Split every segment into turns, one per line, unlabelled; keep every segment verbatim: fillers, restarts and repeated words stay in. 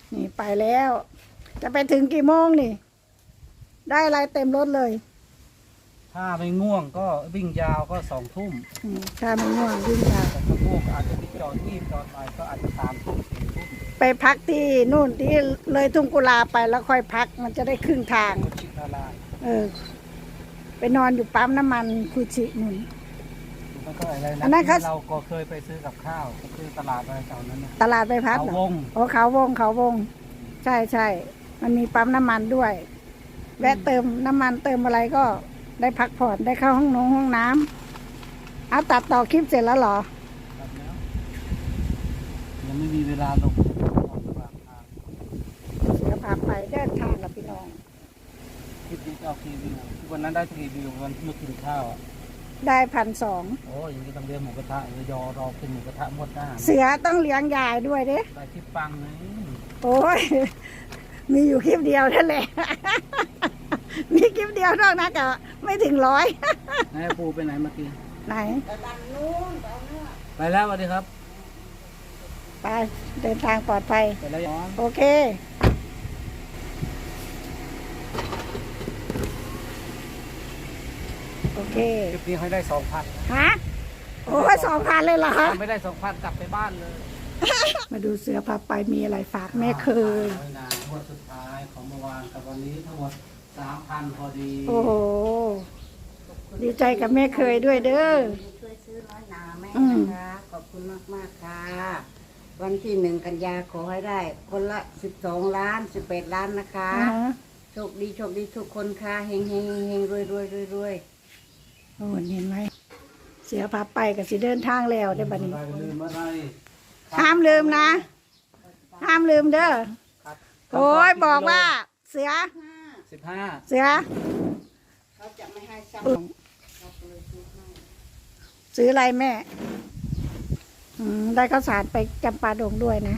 นี่ไปแล้ว จะไปถึงกี่โมงนี่ ได้อะไรเต็มรถเลย
ถ้าไม่ง่วงก็วิ่งยาวก็สองทุ่ม
อืมถ้าไม่ง่วงวิ่งยาว
แต่ถ้าง่วงก็อาจจะไปจอดที่จอดไปก็อาจจะสามทุ่มสี่ทุ่ม
ไปพักที่นู่นที่เลยทุ่งกุลาไปแล้วค่อยพักมันจะได้ครึ่งทาง
โคชินารา
เออ ไปนอนอยู่ปั๊มน้ำมันคุชินุ่น
มันก็อะไร
อันนั้น
นะ
เขา
ที่เราก็เคยไปซื้อกับข้าวก็คือตลาดอะไรแถวนั้นนะ
ตลาดไปพัก
เขา
เหรอ
วง
โอ้เขาวงเขาวง ใช่ใช่มันมีปั๊มน้ำมันด้วย แวะเติมน้ำมันเติมอะไรก็ได้พักผ่อนได้เข้าห้องนงห้องน้ำเอาตัดต่อคลิปเสร็จแล้วเหรอ
แบบแล้วยังไม่มีเวลาลงออกกลางทาง
เสือพาไปเดินทางกับพี่น้อง
คลิปนี้จะเอากี่วิววันนั้นได้กี่วิววันเมื่อกินข้าวอ่ะ
ได้พันสอง
โอ้ยอย่างนี้ต้องเลี้ยงหมูกระทะเลยยอรอกินหมูกระทะหมดหน้า
เสือต้องเลี้ยงยายด้วยเด้
ได้คลิปปังเลย
โอ้ย มีอยู่คลิปเดียวนั่นแหละ มีคลิปเดียวนอกนั้นก็ไม่ถึงร้อย
นายปูไปไหนเมื่อกี้
ไหน
ไปแล้วสวัสดีครับ
ไปเดินทางปลอดภัย
ไปแล้วย้อน
โอเค โอเค
คลิปนี้ให้ได้สองพัน
ฮะ โอ้ยสองพันเลยเหรอคะ
ไม่ได้สองพันกลับไปบ้านเลย
มาดูเสือพาไปมีอะไรฝากแม่เคย
น้อยนางวดสุดท้ายของเมื่อวานกับวันนี้ทั้งหมดสามพันพอดี
โอ้โห ดีใจกับแม่เคยด้วยเด้อ
ช่วยซื้อน้อยหนาแม่
อืม
นะคะขอบคุณมากมากๆค่ะ วันที่หนึ่งกันยาขอให้ได้ คนละสิบสองล้านสิบแปดล้านนะคะ
อ่าฮะ
โชคดีโชคดีทุกคนค่ะเฮงเฮงเฮงรวยรวยรวยรวย
โอ้เห็นไหม เสือพาไปกับสิเดินทางแล้วได้อบัดนี้
ไปลืมอะไร
ห้ามลืมนะ ห้ามลืมเด้อ
ครับ
โอ้ยบอกว่า เสือ
สิบห้า
เสือ
เขาจะไม่ให้ซ้ำ
ซื้ออะไรแม่ อืม ได้ข้าวสารไปจำปาดงด้วยนะ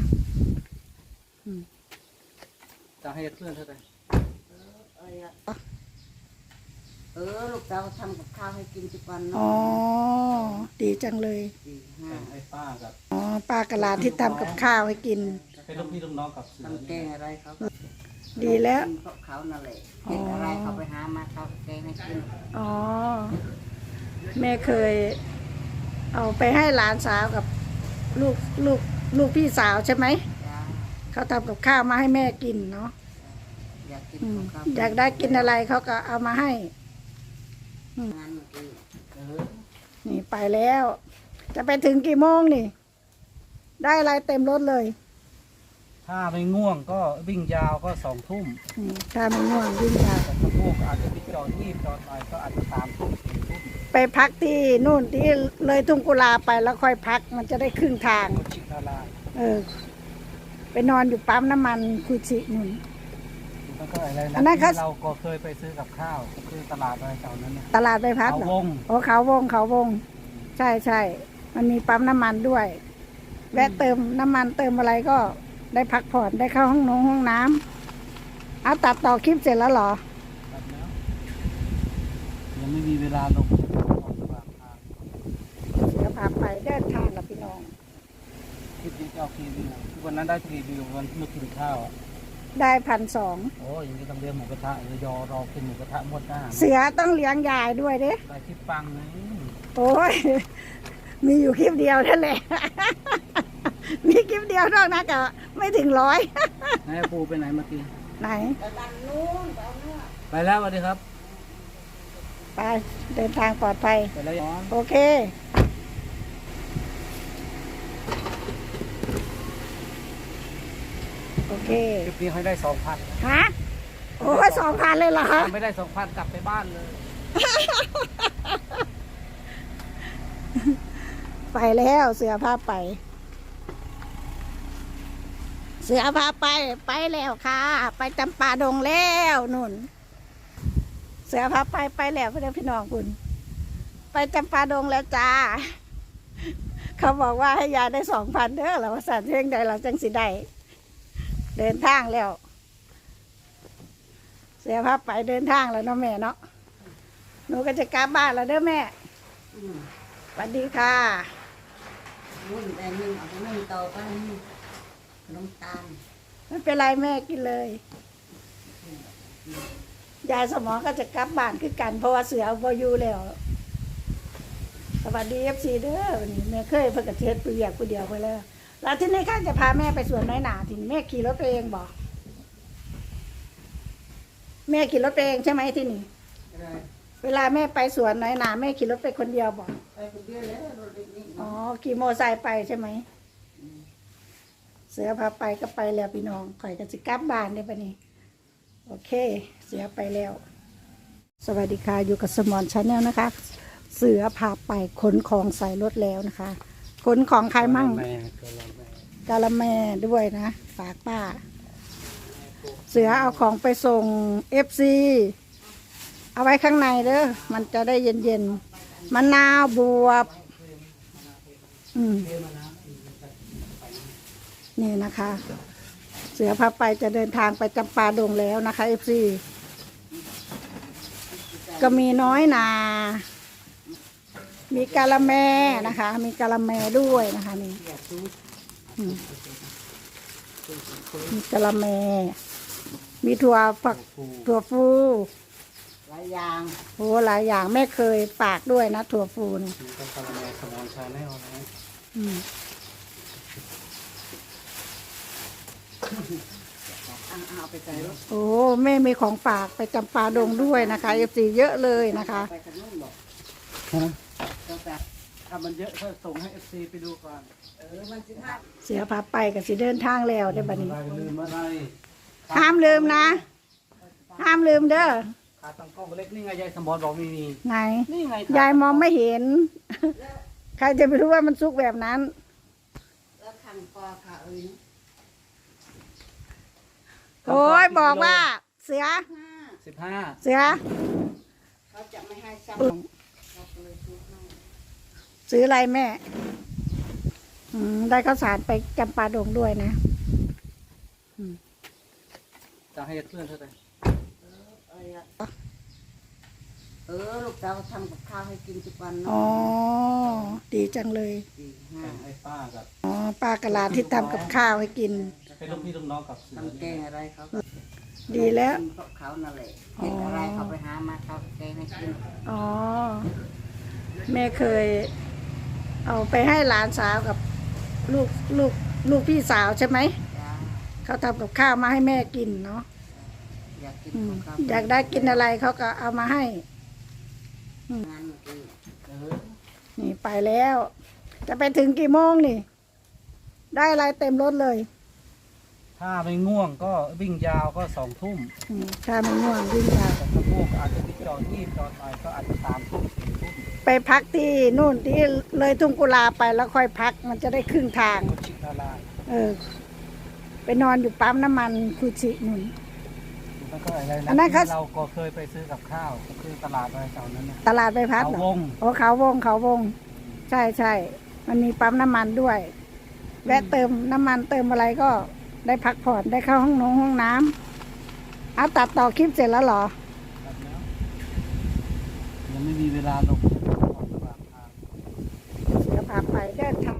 จะให้เพื่อนเท่าไหร่
เอ้ยอะเออลูกสาวทำกับข้าวให้กินทุกวัน
อ๋อ
เนาะ
ดีจังเลย
สี่ห้า
ให้ป้ากับ
อ๋อ ป้ากะลาที่ทำกับข้าวให้กิน
เป็นลูกพี่ลูกน้องกับเสือ
ทำแก
นี่
งอะไรเขา
ดีแล้ว
กินพวกเขานั่นแหละเห็นอะไรเขาไปหามาเขาแกงให้กิน
อ๋อ แม่เคย เอาไปให้หลานสาวกับลูกลูกลูกพี่สาวใช่ไหม
จ้า
เขาทำกับข้าวมาให้แม่กินเนาะ
อยากกิน
อืม
ของเขา
อยากได้กินอะไรเขาก็เอามาให้
งานเมื่อกี้
เออ
นี่ไปแล้ว จะไปถึงกี่โมงนี่ ได้อะไรเต็มรถเลย
ถ้าไม่ง่วงก็วิ่งยาวก็สองทุ่ม
อืมถ้าไม่ง่วงวิ่งยาว
แต่ถ้าง่วงก็อาจจะไปจอดที่จอดไปก็อาจจะสามทุ่มสี่ทุ่ม
ไปพักที่นู่นที่เลยทุ่งกุลาไปแล้วค่อยพักมันจะได้ครึ่งทาง
โคชินารา
เออ ไปนอนอยู่ปั๊มน้ำมันคุชินุ่น
มันก็อะไร
อั
นะ
นนั้นเขา
ที่เราก็เคยไปซื้อกับข้าวก็คือตลาดอะไรแถวนั้นนะ
ตลาดไปพัก
เขา
เหรอ
วง
โอ้เขาวงเขาวง ใช่ใช่มันมีปั๊มน้ำมันด้วย แวะเติมน้ำมันเติมอะไรก็ได้พักผ่อนได้เข้าห้องนงห้องน้ำเอาตัดต่อคลิปเสร็จแล้วเหรอ
แบบแล้วยังไม่มีเวลาลงออกกลางทาง
เสือพาไปเดินทางกับพี่น้อง
คลิปนี้จะเอากี่วิววันนั้นได้กี่วิววันเมื่อกินข้าวอ่ะ
ได้พันสอง
โอ้ยอย่างนี้ต้องเลี้ยงหมูกระทะเลยยอรอกินหมูกระทะหมดหน้า
เสือต้องเลี้ยงยายด้วยเด้
ได้คลิปปังเลย
โอ้ย มีอยู่คลิปเดียวนั่นแหละ มีคลิปเดียวนอกนั้นก็ไม่ถึงร้อย
นายปูไปไหนเมื่อกี้
ไหน
ไปบ้านนู้นไปเอาเนื้อ
ไปแล้วสวัสดีครับ
ไปเดินทางปลอดภัย
ไปแล้วย้อน
โอเค โอเค
คลิปนี้ให้ได้สองพัน
ฮะ โอ้ยสองพันเลยเหรอคะ
ไม่ได้สองพันกลับไปบ้านเลย
ไปแล้วเสือพาไป เสือพาไปไปแล้วค่ะ ไปจำปาดงแล้วนุ่น เสือพาไปไปแล้วพี่พี่น้องคุณ ไปจำปาดงแล้วจ้า เขาบอกว่าให้ยายได้สองพันเด้อเราสั่นเพ่งใดเราจังสิได้เดินทางแล้ว เสือพาไปเดินทางแล้วเนาะแม่เนาะหนูก็จะกลับบ้านแล้วเด้อแม่
อืม
สวัสดีค่ะ
นุ่นแต่นึ่งเอาไปนึ่งต่อไปนี่ขนมตาล
ไม่เป็นไรแม่กินเลยยายสมองก็จะกลับบ้านคือกัน เพราะว่าเสือบ่อยู่แล้วสวัสดีเอฟซีเด้อวันนี้แม่เคยเพิ่งกระเทศไปเรียกผู้เดียวไปแล้วแล้วที่นี่ข้าจะพาแม่ไปสวนน้อยหนาทีนี้แม่ขี่รถไปเองบอกแม่ขี่รถไปเองใช่ไหมที่นี่
อะไร
เวลาแม่ไปสวนน้อยหนาแม่ขี่รถไปคนเดียวบอก
ไปคนเดียวแล้วรถเล็กนี่
อ๋อขี่มอไซค์ไปใช่ไหมเสือพาไปก็ไปแล้วพี่น้องข่อยก็สิกลับบ้านได้ปะนี่โอเค เสือไปแล้ว สวัสดีค่ะอยู่กับสมอนชาแนลนะคะ เสือพาไปขนของใส่รถแล้วนะคะขนของใครมั่ง
แม่ก็รอแม่
กาละแม่ด้วยนะฝากป้า เสือเอาของไปส่งเอฟซีเอาไว้ข้างในเด้อมันจะได้เย็นๆมะนาวบวบอืมนี่นะคะ เสือพาไปจะเดินทางไปจำปาดงแล้วนะคะเอฟซีก็มีน้อยนา มีกาละแมนะคะ มีกาละแมด้วยนะคะนี่อืมมีกาละแม มีถั่วฝักถั่วฟู
หลายอย่าง
โอ้หลายอย่างแม่เคยฝากด้วยนะถั่วฟูนี่
มีก็กระแมสมอนชาแนลนะ
อืม
เอาไปใส่รถ
โอ้แม่มีของฝากไปจำปาดงด้วยนะคะเอฟซีเยอะเลยนะคะ
ไปกันนู่นบอก
ฮะ
เราแบบ
ถ้ามันเยอะก็ส่งให้เอฟซีไปดูก่อน
เออมันสิห้า
เสือพาไปกับสิเดินทางแล้วได้บัดนี้
อะไรลืมอะไร
ห้ามลืมนะ ห้ามลืมเด้อ
ขาตั้งกล้องเล็กนี่ไงยายสมอนบอกมีมี
ไหน
นี่ไง
ยายมองไม่เห็น ใครจะไปรู้ว่ามันซุกแบบนั้น
แล้วคันปอค่ะเอ้ย
โอ้ยบอกว่า เสือ
ห้า
สิบห้า
เสือ
เขาจะไม่ให้ซ้ำเราก็เลยซื้อให้
ซื้ออะไรแม่ อืมได้ข้าวสารไปจำปาดงด้วยนะ
จะให้เพื่อนเท่าไหร่
เออเออลูกสาวทำกับข้าวให้กินทุกวัน
อ๋อ
เนาะ
ดีจังเลย
สี่ห้า
ให้ป้ากับ
อ๋อป้ากะลาที่ทำกับข้าวให้กิน
เป็นลูกพี่ลูกน้องกับเสือ
ทำแกงอะไรเขาก็
ดีแล้ว
กินเพราะเขานั่นแหละเห็นอะไรเขาไปหามาเขาแกงให้กิน
อ๋อ แม่เคย เอาไปให้หลานสาวกับลูกลูกลูกพี่สาวใช่ไหม
จ้า
เขาทำกับข้าวมาให้แม่กินเนาะ
อยากกิน
อื
ข
ม
องเขา
อยากได้กินอะไรเขาก็เอามาให้
งานเมื่อกี้
เออ
นี่ไปแล้ว จะไปถึงกี่โมงนี่ ได้อะไรเต็มรถเลย
ถ้าไม่ง่วงก็วิ่งยาวก็สองทุ่ม
อืมถ้าไม่ง่วงวิ่งยาว
แต่ถ้าง่วงก็อาจจะไปจอดยี่จอดหน่อยก็อาจจะสามทุ่มสี่ทุ่ม
ไปพักที่นู่นที่เลยทุ่งกุลาไปแล้วค่อยพัก มันจะได้ครึ่งทาง
ก็ชิดละลาย
เออ ไปนอนอยู่ปั๊มน้ำมันคูชินุ่น
แล้วก็อะไร
อันนั้นเขา
ที่เราก็เคยไปซื้อกับข้าวก็คือตลาดอะไรแถวนั้นนะ
ตลาดใบพัด
เขา
เหรอ
วง
โอ้เขาวงเขาวง ใช่ใช่ มันมีปั๊มน้ำมันด้วย แวะเติมน้ำมันเติมอะไรก็ได้พักผ่อนได้เข้าห้องนงห้องน้ำเอาตัดต่อคลิปเสร็จแล้วเหรอ
แบบแล้วยังไม่มีเวลาลงออกตลาดทาง
เสือพาไปเดินทาง